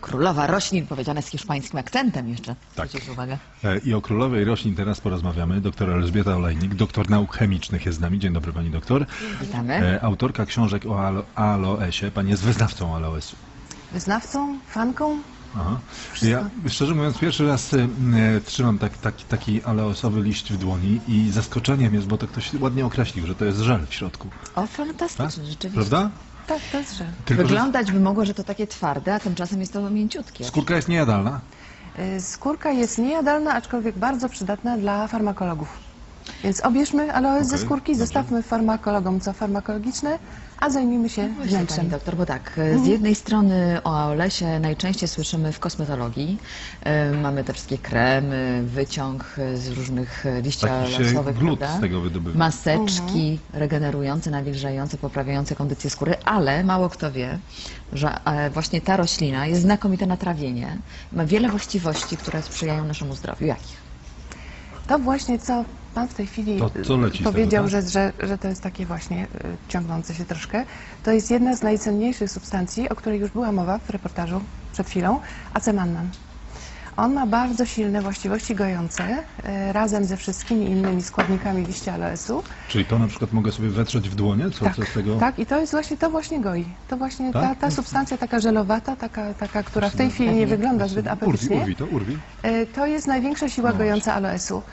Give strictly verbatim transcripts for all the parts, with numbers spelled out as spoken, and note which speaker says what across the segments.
Speaker 1: Królowa roślin, powiedziane z hiszpańskim akcentem jeszcze.
Speaker 2: Tak.
Speaker 1: Zwróćcie uwagę.
Speaker 2: E, I o królowej roślin teraz porozmawiamy. Doktor Elżbieta Olejnik, doktor nauk chemicznych jest z nami. Dzień dobry, pani doktor.
Speaker 1: Witamy.
Speaker 2: E, Autorka książek o alo aloesie. Pani jest wyznawcą aloesu.
Speaker 3: Wyznawcą, fanką.
Speaker 2: Aha. Ja, szczerze mówiąc, pierwszy raz e, trzymam tak, taki, taki aloesowy liść w dłoni i zaskoczeniem jest, bo to ktoś ładnie określił, że to jest żel w środku.
Speaker 1: O, fantastyczne,
Speaker 2: Tak?
Speaker 1: rzeczywiście.
Speaker 2: Prawda?
Speaker 3: Tak, to jest żel.
Speaker 2: Tylko, że
Speaker 1: Wyglądać by mogło, że to takie twarde, a tymczasem jest to mięciutkie.
Speaker 2: skórka jest niejadalna.
Speaker 3: Y, Skórka jest niejadalna, aczkolwiek bardzo przydatna dla farmakologów. Więc obierzmy aloes ze
Speaker 2: Okej,
Speaker 3: skórki,
Speaker 2: dobrze.
Speaker 3: zostawmy farmakologom co farmakologiczne, a zajmijmy się
Speaker 1: Właśnie, pani
Speaker 3: wnętrzem.
Speaker 1: doktor, bo tak, z jednej strony o aloesie najczęściej słyszymy w kosmetologii. E, Mamy te wszystkie kremy, wyciąg z różnych liści
Speaker 2: Taki się
Speaker 1: aloesowych,
Speaker 2: glut
Speaker 1: prawda?
Speaker 2: z tego wydobywa.
Speaker 1: Maseczki regenerujące, nawilżające, poprawiające kondycję skóry, ale mało kto wie, że e, właśnie ta roślina jest znakomita na trawienie. Ma wiele właściwości, które sprzyjają naszemu zdrowiu. Jakich?
Speaker 3: To właśnie, co Pan w tej chwili
Speaker 2: To co leci z
Speaker 3: powiedział,
Speaker 2: tego, tak?
Speaker 3: że, że, że to jest takie właśnie y, ciągnące się troszkę, to jest jedna z najcenniejszych substancji, o której już była mowa w reportażu przed chwilą, acemannan. On ma bardzo silne właściwości gojące, y, razem ze wszystkimi innymi składnikami liścia aloesu.
Speaker 2: Czyli to na przykład mogę sobie wetrzeć w dłonie? Co,
Speaker 3: Tak,
Speaker 2: co z tego?
Speaker 3: tak, i to jest właśnie, to właśnie goi. To właśnie ta,
Speaker 2: Tak?
Speaker 3: ta substancja taka żelowata, taka, taka, która w tej chwili nie
Speaker 1: Pewnie.
Speaker 3: wygląda zbyt
Speaker 2: Urwi,
Speaker 3: apetycznie,
Speaker 2: urwi, to urwi.
Speaker 3: y, to jest największa siła
Speaker 2: No
Speaker 3: gojąca aloesu.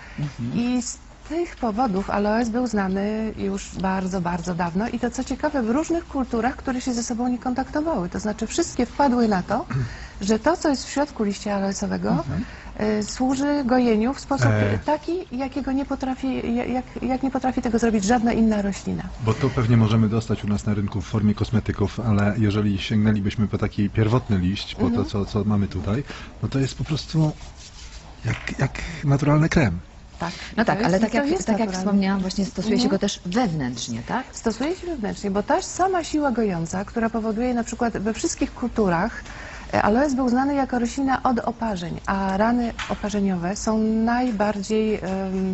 Speaker 3: I z tych powodów aloes był znany już bardzo, bardzo dawno i to co ciekawe w różnych kulturach, które się ze sobą nie kontaktowały. To znaczy wszystkie wpadły na to, że to, co jest w środku liścia aloesowego, y, służy gojeniu w sposób
Speaker 2: E.
Speaker 3: taki, jakiego nie potrafi, jak, jak nie potrafi tego zrobić żadna inna roślina.
Speaker 2: Bo to pewnie możemy dostać u nas na rynku w formie kosmetyków, ale jeżeli sięgnęlibyśmy po taki pierwotny liść, po to, co, co mamy tutaj, no to jest po prostu jak, jak naturalny krem.
Speaker 3: Tak,
Speaker 1: No
Speaker 3: to
Speaker 1: tak,
Speaker 3: jest-
Speaker 1: ale tak
Speaker 3: to
Speaker 1: jak,
Speaker 3: jest
Speaker 1: tak jak
Speaker 3: naturalne.
Speaker 1: wspomniałam, właśnie stosuje się
Speaker 3: Mhm.
Speaker 1: go też wewnętrznie, tak?
Speaker 3: Stosuje się wewnętrznie, bo ta sama siła gojąca, która powoduje na przykład we wszystkich kulturach, e, aloes był znany jako roślina od oparzeń, a rany oparzeniowe są najbardziej em,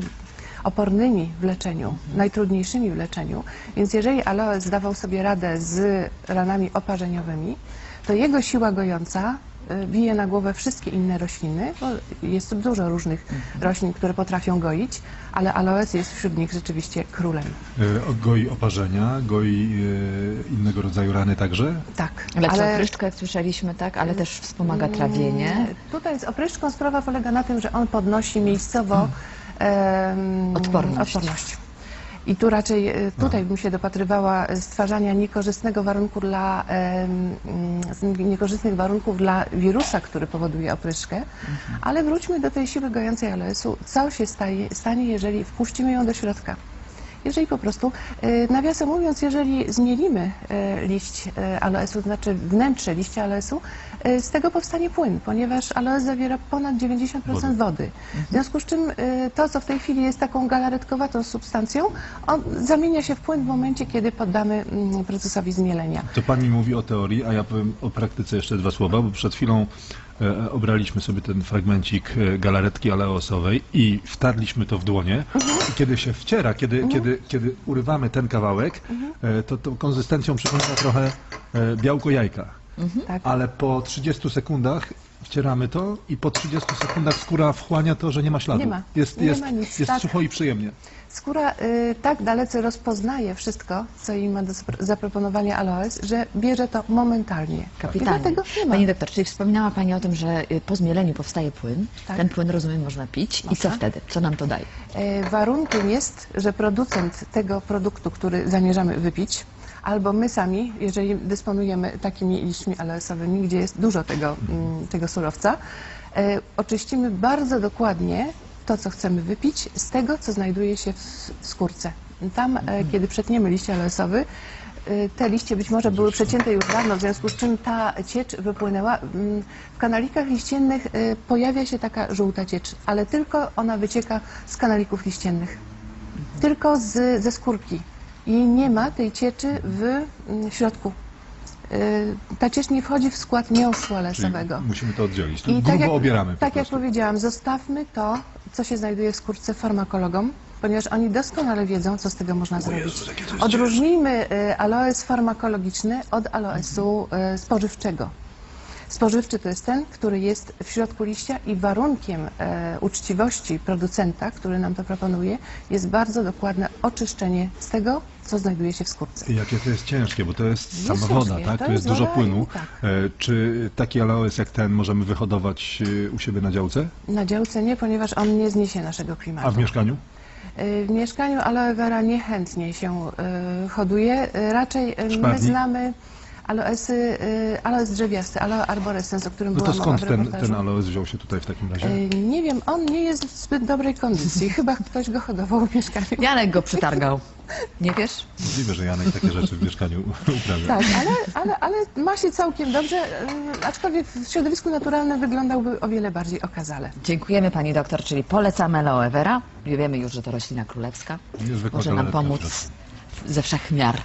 Speaker 3: opornymi w leczeniu, najtrudniejszymi w leczeniu. Więc jeżeli aloes dawał sobie radę z ranami oparzeniowymi, to jego siła gojąca e, bije na głowę wszystkie inne rośliny, bo jest tu dużo różnych roślin, które potrafią goić, ale aloes jest wśród nich rzeczywiście królem.
Speaker 2: E, Goi oparzenia, goi e, innego rodzaju rany także.
Speaker 3: Tak,
Speaker 1: Lepsza opryszczka, jak słyszeliśmy, tak, ale też wspomaga trawienie.
Speaker 3: Mm, Tutaj z opryszczką sprawa polega na tym, że on podnosi miejscowo em,
Speaker 1: Odporność.
Speaker 3: odporność. I tu raczej e, tutaj bym się dopatrywała stwarzania niekorzystnego warunku dla, em, mm, niekorzystnych warunków dla wirusa, który powoduje opryszkę, ale wróćmy do tej siły gojącej aloesu. Co się staje, stanie, jeżeli wpuścimy ją do środka? Jeżeli po prostu, e, nawiasem mówiąc, jeżeli zmielimy e, liść e, aloesu, to znaczy wnętrze liścia aloesu, e, z tego powstanie płyn, ponieważ aloes zawiera ponad dziewięćdziesiąt procent wody. W związku z czym e, to, co w tej chwili jest taką galaretkowatą substancją, on zamienia się w płyn w momencie, kiedy poddamy mm, procesowi zmielenia.
Speaker 2: To pani mówi o teorii, a ja powiem o praktyce jeszcze dwa słowa, bo przed chwilą e, obraliśmy sobie ten fragmencik e, galaretki aleosowej i wtarliśmy to w dłonie. I kiedy się wciera, kiedy, kiedy, kiedy urywamy ten kawałek, e, to tą konsystencją przypomina trochę e, białko jajka.
Speaker 3: Tak?
Speaker 2: Ale po trzydziestu sekundach wcieramy to i po trzydziestu sekundach skóra wchłania to, że nie ma śladu.
Speaker 3: Nie ma.
Speaker 2: Jest,
Speaker 3: Nie
Speaker 2: jest,
Speaker 3: ma nic,
Speaker 2: jest
Speaker 3: tak.
Speaker 2: sucho i przyjemnie.
Speaker 3: Skóra y, tak dalece rozpoznaje wszystko, co jej ma do zapro- zaproponowania aloes, że bierze to momentalnie.
Speaker 1: Kapitalnie.
Speaker 3: I dlatego nie ma.
Speaker 1: Pani doktor, czyli wspominała Pani o tym, że y, po zmieleniu powstaje płyn.
Speaker 3: Tak.
Speaker 1: Ten płyn, rozumiem, można pić. I co
Speaker 3: Można.
Speaker 1: wtedy? Co nam to daje?
Speaker 3: E, Warunkiem jest, że producent tego produktu, który zamierzamy wypić, albo my sami, jeżeli dysponujemy takimi liśćmi aloesowymi, gdzie jest dużo tego, mm, tego surowca, e, oczyścimy bardzo dokładnie to, co chcemy wypić, z tego, co znajduje się w w skórce. Tam, e, kiedy przetniemy liść aloesowy, e, te liście być może były przecięte już dawno, w związku z czym ta ciecz wypłynęła. Mm, W kanalikach liściennych e, pojawia się taka żółta ciecz, ale tylko ona wycieka z kanalików liściennych. Tylko z, ze skórki. I nie ma tej cieczy w mm, środku. Y, Ta ciecz nie wchodzi w skład miąższu
Speaker 2: Czyli
Speaker 3: aloesowego.
Speaker 2: musimy to oddzielić. To
Speaker 3: I
Speaker 2: grubo
Speaker 3: tak jak,
Speaker 2: obieramy po
Speaker 3: tak jak
Speaker 2: prostu.
Speaker 3: powiedziałam, zostawmy to, co się znajduje w skórce farmakologom, ponieważ oni doskonale wiedzą, co z tego można zrobić.
Speaker 2: Jezus, jakie to jest
Speaker 3: Odróżnijmy y, aloes farmakologiczny od aloesu y, spożywczego. Spożywczy to jest ten, który jest w środku liścia i warunkiem e, uczciwości producenta, który nam to proponuje, jest bardzo dokładne oczyszczenie z tego, co znajduje się w skórce.
Speaker 2: I jakie to jest ciężkie, bo to jest
Speaker 3: Jest
Speaker 2: sama woda,
Speaker 3: ciężkie,
Speaker 2: tak?
Speaker 3: to
Speaker 2: Tu jest
Speaker 3: jest
Speaker 2: dużo
Speaker 3: woda
Speaker 2: płynu.
Speaker 3: i tak.
Speaker 2: E, Czy taki aloes jak ten możemy wyhodować e, u siebie na działce?
Speaker 3: Na działce nie, ponieważ on nie zniesie naszego klimatu.
Speaker 2: A w mieszkaniu?
Speaker 3: Y, W mieszkaniu aloe vera niechętnie się y, hoduje. Y, Raczej y, my
Speaker 2: Szparnik?
Speaker 3: znamy aloesy, y, aloes drzewiasty, aloe arborescens, o którym
Speaker 2: No
Speaker 3: była
Speaker 2: to
Speaker 3: mowa
Speaker 2: skąd
Speaker 3: w
Speaker 2: ten,
Speaker 3: reportażu.
Speaker 2: ten aloes wziął się tutaj w takim razie?
Speaker 3: Y, Nie wiem, on nie jest w zbyt dobrej kondycji. Chyba ktoś go hodował w mieszkaniu.
Speaker 1: Janek go przytargał. Nie wiesz?
Speaker 2: Możliwe, że Janek takie rzeczy w mieszkaniu uprawia.
Speaker 3: Tak, ale, ale, ale ma się całkiem dobrze, y, aczkolwiek w środowisku naturalnym wyglądałby o wiele bardziej okazale.
Speaker 1: Dziękujemy pani doktor, czyli polecamy aloe vera. Wiemy już, że to roślina królewska.
Speaker 2: Niezwykła
Speaker 1: Może nam
Speaker 2: galaretka w
Speaker 1: pomóc
Speaker 2: środku.
Speaker 1: ze wszech miar.